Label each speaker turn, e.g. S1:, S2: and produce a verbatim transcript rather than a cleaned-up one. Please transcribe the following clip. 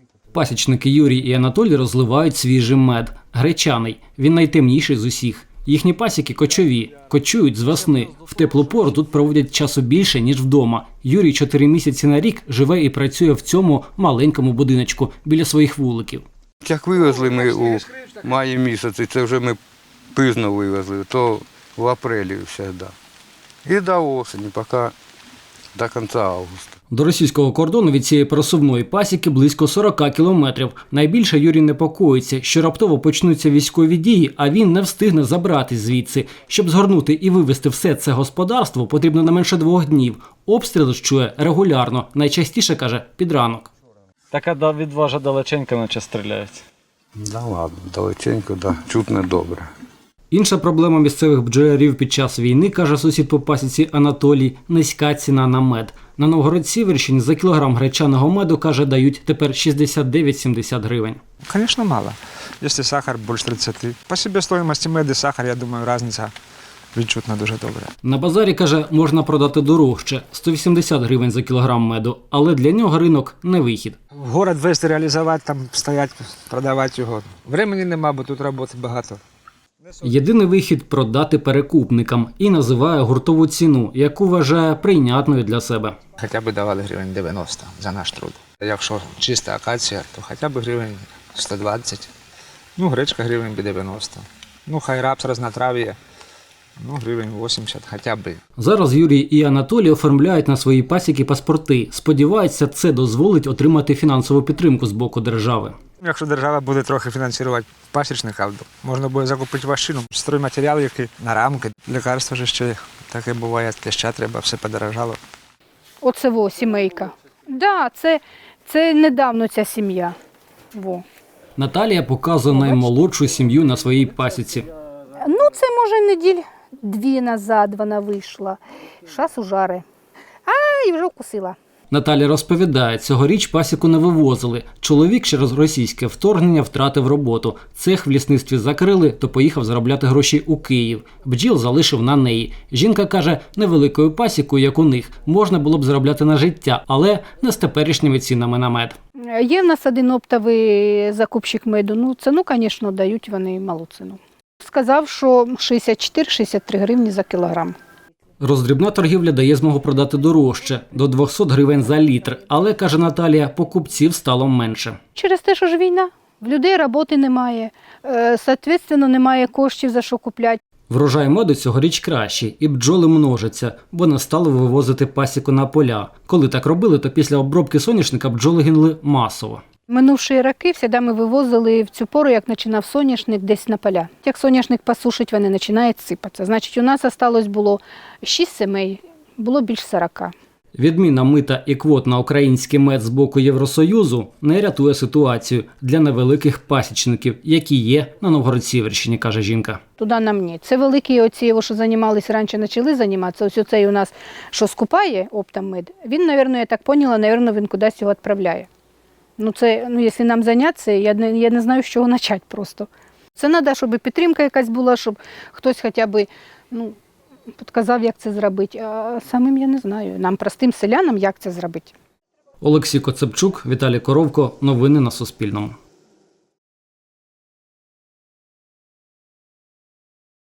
S1: Пасічники Юрій і Анатолій розливають свіжий мед – гречаний. Він найтемніший з усіх. Їхні пасіки кочові, кочують з весни. В теплу пору тут проводять часу більше, ніж вдома. Юрій чотири місяці на рік живе і працює в цьому маленькому будиночку біля своїх вуликів.
S2: Як вивезли ми у маї місяці, це вже ми пізно вивезли, то в апрелі завжди. І до осені, поки до кінця августа.
S1: До російського кордону від цієї пересувної пасіки близько сорока кілометрів. Найбільше Юрій непокоїться, що раптово почнуться військові дії, а він не встигне забрати звідси. Щоб згорнути і вивезти все це господарство, потрібно не менше двох днів. Обстріли ж чує регулярно, найчастіше, каже, під ранок.
S3: Так від вас далеченько наче стріляють.
S2: Да ладно, далеченько, да, чутно добре.
S1: Інша проблема місцевих бджолярів під час війни, каже сусід по пасіці Анатолій, низька ціна на мед. На Новгород-Сіверщині за кілограм гречаного меду, каже, дають тепер шістдесят дев'ять - сімдесят гривень.
S4: Конечно, мало. Если сахар больше тридцати. По себестоимости меди, сахар, я думаю, разниця відчутна дуже добре.
S1: На базарі, каже, можна продати дорожче – сто вісімдесят гривень за кілограм меду, але для нього ринок не вихід.
S4: В город вести, реалізувати, там стоять, продавати його. Времени нема, бо тут роботи багато.
S1: Єдиний вихід – продати перекупникам і називає гуртову ціну, яку вважає прийнятною для себе.
S4: Хоча б давали гривень дев'яносто за наш труд. Якщо чиста акація, то хоча б гривень сто двадцять. Ну, гречка гривень дев'яносто. Ну, хай рапс разнотрав'я, ну, гривень вісімдесят хоча б.
S1: Зараз Юрій і Анатолій оформляють на свої пасіки паспорти. Сподіваються, це дозволить отримати фінансову підтримку з боку держави.
S4: Якщо держава буде трохи фінансувати пасічників, можна буде закупити машину, стройматеріал, який на рамки, лікарства ж ще таке буває, ще треба, все подорожало.
S5: Оце во, сімейка. Да, це, це недавно ця сім'я. Во.
S1: Наталія показує наймолодшу сім'ю на своїй пасіці.
S5: Ну, це, може, неділь дві назад вона вийшла. Шас у жари. А, і вже вкусила.
S1: Наталя розповідає, цьогоріч пасіку не вивозили. Чоловік через російське вторгнення втратив роботу. Цех в лісництві закрили, то поїхав заробляти гроші у Київ. Бджіл залишив на неї. Жінка каже, невеликою пасікою, як у них, можна було б заробляти на життя, але не з теперішніми цінами на мед.
S5: Є в нас один оптовий закупщик меду. Ну, ціну, звісно, дають вони малу ціну. Сказав, що шістдесят чотири - шістдесят три гривні за кілограм.
S1: Роздрібна торгівля дає змогу продати дорожче – до двохсот гривень за літр. Але, каже Наталія, покупців стало менше.
S5: Через те, що ж війна. В людей роботи немає, відповідно, немає коштів, за що купляти.
S1: Врожай меду цьогоріч кращий, і бджоли множаться, бо не стали вивозити пасіку на поля. Коли так робили, то після обробки соняшника бджоли гинули масово.
S5: Минувші роки завжди ми вивозили в цю пору, як починав соняшник, десь на поля. Як соняшник посушить, вони починають сипатися. Значить, у нас залишилось було шість сімей, було більше сорока.
S1: Відміна мита і квот на український мед з боку Євросоюзу не рятує ситуацію для невеликих пасічників, які є на Новгород-Сіверщині, каже жінка.
S5: Туди нам ні. Це великі оці, що займалися раніше, почали займатися. Ось оцей у нас, що скупає оптом мед, він, мабуть, я так поняла, мабуть, він кудись його відправляє. Ну, це, ну, якщо нам зайнятися, я не, я не знаю, з чого почати просто. Це треба, щоб підтримка якась була, щоб хтось хоча б, ну, підказав, як це зробити. А самим я не знаю. Нам, простим селянам, як це зробити.
S1: Олексій Коцепчук, Віталій Коровко. Новини на Суспільному.